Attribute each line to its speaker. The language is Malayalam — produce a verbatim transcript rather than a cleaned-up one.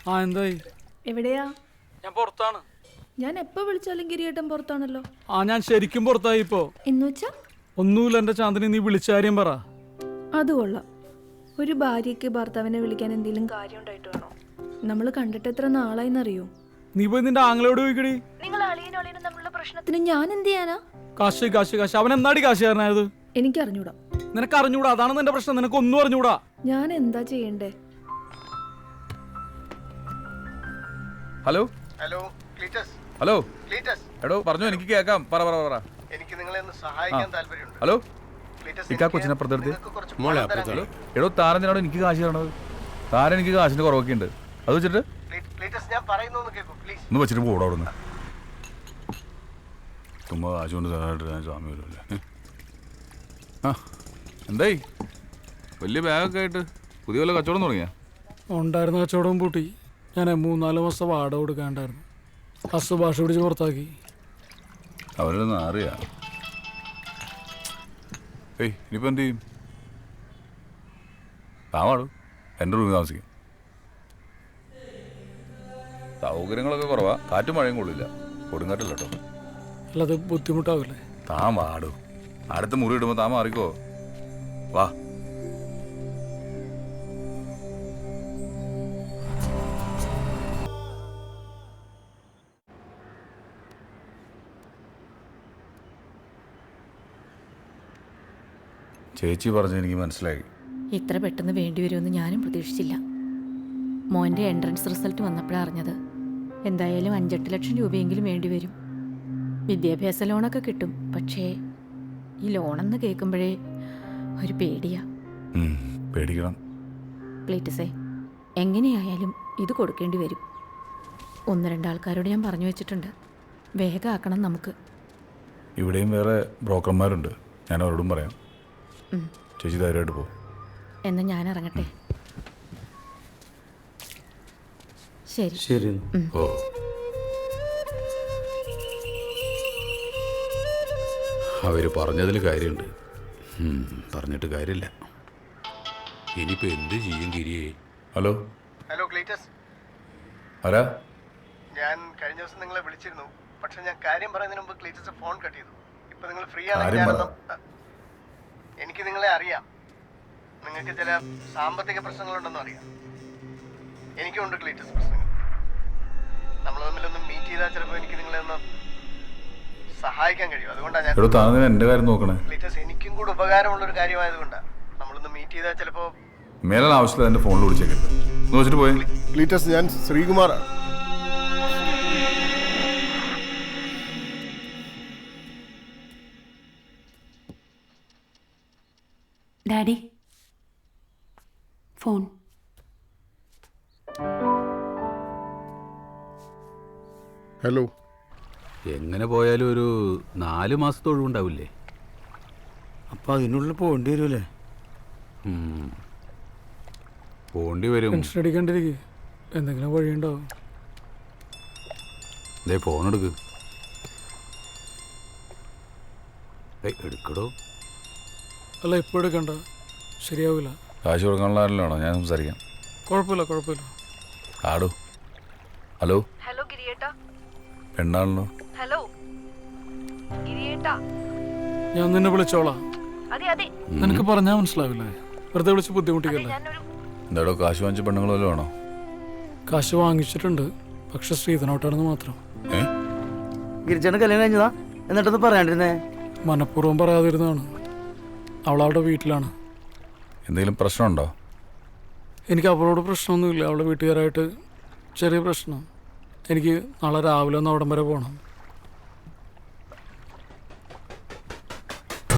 Speaker 1: ആ എന്തായി?
Speaker 2: എവിടെയാ?
Speaker 1: ഞാൻ പുറത്താണ്.
Speaker 2: ഞാൻ എപ്പോ വിളിച്ചാലും ഗിരിയേട്ടൻ പുറത്താണല്ലോ.
Speaker 1: ആ ഞാൻ ശരിക്കും പുറത്തായി ഇപ്പോ.
Speaker 2: എന്നുവെച്ചാ?
Speaker 1: ഒന്നുമില്ല എന്റെ ചാന്ദിനി, നീ വിളിച്ച കാര്യം പറ.
Speaker 2: അത് കൊള്ളാം. ഒരു ഭാര്യയ്ക്ക് ഭർത്താവിനെ വിളിക്കാൻ എന്തെങ്കിലും കാര്യം ഉണ്ടായിട്ട് വേണോ? നമ്മൾ കണ്ടിട്ട് എത്ര നാളായിന്നറിയോ?
Speaker 1: നീ പോയി നിന്റെ ആങ്ങളോട് ചോദിക്കടി.
Speaker 2: നിങ്ങൾ അളിയനും അളിയനും തമ്മിലുള്ള പ്രശ്നത്തിന് ഞാൻ എന്ത് ചെയ്യാനാ?
Speaker 1: കാശ് കാശ് കാശ് അവൻ എന്നാടി കാശുകാരനായത്?
Speaker 2: എനിക്ക് അറിഞ്ഞൂടാ.
Speaker 1: നിനക്ക് അറിഞ്ഞൂടാ, അതാണ് നിന്റെ പ്രശ്നം. നിനക്ക് ഒന്നും അറിഞ്ഞൂടാ.
Speaker 2: ഞാൻ എന്താ ചെയ്യണ്ടേ?
Speaker 3: Hello
Speaker 4: hello Cleetus.
Speaker 3: Hello
Speaker 4: Cleetus.
Speaker 3: എടോ പറഞ്ഞു, എനിക്ക് കേൾക്കാം. പറ പറ പറ.
Speaker 4: എനിക്ക് നിങ്ങളെ ഒന്ന് സഹായിക്കാൻ താല്പര്യമുണ്ട്.
Speaker 3: ഹലോ
Speaker 4: ക്ലീറ്റസ്,
Speaker 3: ഇക്കാ കൊച്ചിനെ അപ്പുറത്തെടുത്ത്.
Speaker 4: നിങ്ങൾക്ക് കുറച്ച്
Speaker 3: മോളെ
Speaker 4: പണം തരാൻ
Speaker 3: ഹലോ എടോ, താരത്തിനോട് എനിക്ക് കാശ് തരണത്. താരൻ എനിക്ക് കാശിന്റെ കുറവൊക്കെ ഉണ്ട്. അത് വെച്ചിട്ട്
Speaker 4: ക്ലീ- ക്ലീറ്റസ്, ഞാൻ പറയുന്നു ഒന്ന് കേൾക്കൂ പ്ലീസ്.
Speaker 3: ഒന്ന് വെച്ചിട്ട് പോടാ അവിടുന്ന്. ചുമ്മാ കാശ് കൊണ്ട് തരാനായിട്ട് ഞാൻ സ്വാമി വരുമല്ലേ. ആ എന്തായി? വലിയ ബാഗൊക്കെ ആയിട്ട് പുതിയ വല്ല കച്ചവടം തുടങ്ങിയാ?
Speaker 1: ഉണ്ടായിരുന്ന കച്ചവടം പൂട്ടി. ഞാൻ മൂന്നാല് മാസം വാടക കൊടുക്കാണ്ടായിരുന്നു. അസ് ഭാഷ പിടിച്ച് പുറത്താക്കി.
Speaker 3: അവരൊന്നും അറിയാ. ഏയ് ഇനിയിപ്പോൾ എന്ത് ചെയ്യും? താവാടും എൻ്റെ റൂമിൽ താമസിക്കും. സൗകര്യങ്ങളൊക്കെ കുറവാ. കാറ്റും മഴയും കൊള്ളില്ല. കൊടുങ്കാറ്റില്ല കേട്ടോ.
Speaker 1: അല്ലാതെ ബുദ്ധിമുട്ടാവില്ലേ?
Speaker 3: താൻ വാടും. അടുത്ത മുറി ഇടുമ്പോൾ താൻ മാറിക്കോ. വാ. ചേച്ചി പറഞ്ഞ് എനിക്ക് മനസ്സിലായി.
Speaker 5: ഇത്ര പെട്ടെന്ന് വേണ്ടി വരുമെന്ന് ഞാനും പ്രതീക്ഷിച്ചില്ല. മോൻ്റെ എൻട്രൻസ് റിസൾട്ട് വന്നപ്പോഴാണ് അറിഞ്ഞത്. എന്തായാലും അഞ്ചെട്ട് ലക്ഷം രൂപയെങ്കിലും വേണ്ടി വരും. വിദ്യാഭ്യാസ ലോണൊക്കെ കിട്ടും. പക്ഷേ ഈ ലോണെന്ന് കേൾക്കുമ്പോഴേ ഒരു പേടിയാ.
Speaker 3: പേടിക്കണം.
Speaker 5: പ്ലീറ്റസേ, എങ്ങനെയായാലും ഇത് കൊടുക്കേണ്ടി വരും. ഒന്ന് രണ്ടാൾക്കാരോട് ഞാൻ പറഞ്ഞു വെച്ചിട്ടുണ്ട്. വേഗം ആക്കണം നമുക്ക്.
Speaker 3: ഇവിടെയും വേറെ ബ്രോക്കർമാരുണ്ട്. ഞാൻ അവരോടും പറയാം. ചേച്ചി ധൈര്യമായിട്ട് പോകും.
Speaker 5: എന്നാൽ ഞാൻ ഇറങ്ങട്ടെ. ശരി
Speaker 6: ശരി.
Speaker 3: ഓ
Speaker 6: അവർ പറഞ്ഞതിൽ കാര്യമുണ്ട്. പറഞ്ഞിട്ട് കാര്യമില്ല. ഇനിയിപ്പോൾ എന്ത് ചെയ്യും ഗിരിയെ?
Speaker 3: ഹലോ
Speaker 4: ഹലോ ക്ലീറ്റസ്,
Speaker 3: ആരാ?
Speaker 4: ഞാൻ കഴിഞ്ഞ ദിവസം നിങ്ങളെ വിളിച്ചിരുന്നു. പക്ഷെ ഞാൻ കാര്യം പറയുന്നതിന് മുമ്പ് ക്ലീറ്റസ് ഫോൺ കട്ട് ചെയ്തു. ഇപ്പൊ നിങ്ങൾ ഫ്രീ
Speaker 3: കാര്യം
Speaker 4: ആണെങ്കിൽ
Speaker 3: പറ.
Speaker 4: ഞാനൊന്ന്- എനിക്ക് നിങ്ങളെ അറിയാം. നിങ്ങൾക്ക് ചില സാമ്പത്തിക പ്രശ്നങ്ങളുണ്ടെന്നും അറിയാം. എനിക്കുണ്ട് ക്ലീറ്റസ് പ്രശ്നങ്ങൾ. നമ്മൾ തമ്മിലൊന്ന് മീറ്റ് ചെയ്താൽ ചിലപ്പോൾ എനിക്ക് നിങ്ങളെ ഒന്ന് സഹായിക്കാൻ കഴിയും. അതുകൊണ്ടാണ് ഞാൻ
Speaker 3: എടോ, താൻ എൻ്റെ കാര്യം നോക്കണേ.
Speaker 4: ക്ലീറ്റസ്, എനിക്കും കൂടെ ഉപകാരമുള്ളൊരു കാര്യമായതുകൊണ്ടാണ്. നമ്മളൊന്ന് മീറ്റ് ചെയ്താൽ ചിലപ്പോൾ
Speaker 3: മേലാണ് ആവശ്യമില്ല എൻ്റെ ഫോണിൽ വിളിച്ചേക്കരുത്. ഒന്ന് വെച്ചിട്ട് പോയി.
Speaker 4: ക്ലീറ്റസ്, ഞാൻ ശ്രീകുമാറാണ്.
Speaker 7: Daddy, phone.
Speaker 4: ഹലോ.
Speaker 6: എങ്ങനെ പോയാലും ഒരു നാല് മാസത്തെ ഒഴിവുണ്ടാവില്ലേ?
Speaker 8: അപ്പം അതിനുള്ളിൽ പോകേണ്ടി വരുമല്ലേ?
Speaker 6: പോകേണ്ടി വരും.
Speaker 1: ടെൻഷൻ അടിക്കാണ്ടിരിക്കുക. എന്തെങ്കിലും വഴിയുണ്ടാവും.
Speaker 6: ഇതേ ഫോൺ എടുക്ക്. ഏയ് എടുക്കടോ.
Speaker 1: അല്ല ഇപ്പോൾ എടുക്കണ്ട, ശരിയാവില്ല.
Speaker 3: കാശ് കൊടുക്കാനുള്ള ആരല്ലോ ഞാൻ സംസാരിക്കാം.
Speaker 1: കുഴപ്പമില്ല കുഴപ്പമില്ല.
Speaker 3: ആടോ. ഹലോ.
Speaker 2: ഹലോ ഗിരിയേട്ടാ.
Speaker 3: പെണ്ണാണല്ലോ.
Speaker 2: ഹലോ ഗിരിയേട്ടാ.
Speaker 1: ഞാൻ നിന്നെ വിളിച്ചോളാം.
Speaker 2: അതെ അതെ.
Speaker 1: നിനക്ക് പറഞ്ഞാൽ മനസ്സിലാവില്ലേ? വെറുതെ വിളിച്ച് ബുദ്ധിമുട്ടിക്കല്ലേ?
Speaker 4: എന്താടോ, കാശ് വാങ്ങിച്ച പെണ്ണുങ്ങൾ വല്ലതും ആണോ?
Speaker 1: കാശ് വാങ്ങിച്ചിട്ടുണ്ട്, പക്ഷെ ശ്രീധനോട്ടാണെന്ന് മാത്രം.
Speaker 3: ഏ
Speaker 8: ഗിരിച്ചേട്ടൻ കല്യാണം കഴിഞ്ഞതാ? എന്നിട്ടൊന്ന് പറയാണ്ടിരുന്നേ?
Speaker 1: മനഃപൂർവ്വം പറയാതിരുന്നതാണ്. അവളവിടെ വീട്ടിലാണ്.
Speaker 3: എന്തെങ്കിലും പ്രശ്നമുണ്ടോ?
Speaker 1: എനിക്ക് അവളോട് പ്രശ്നമൊന്നുമില്ല. അവളുടെ വീട്ടുകാരായിട്ട് ചെറിയ പ്രശ്നം. എനിക്ക് നാളെ രാവിലെ ഒന്ന് അവിടം വരെ പോകണം.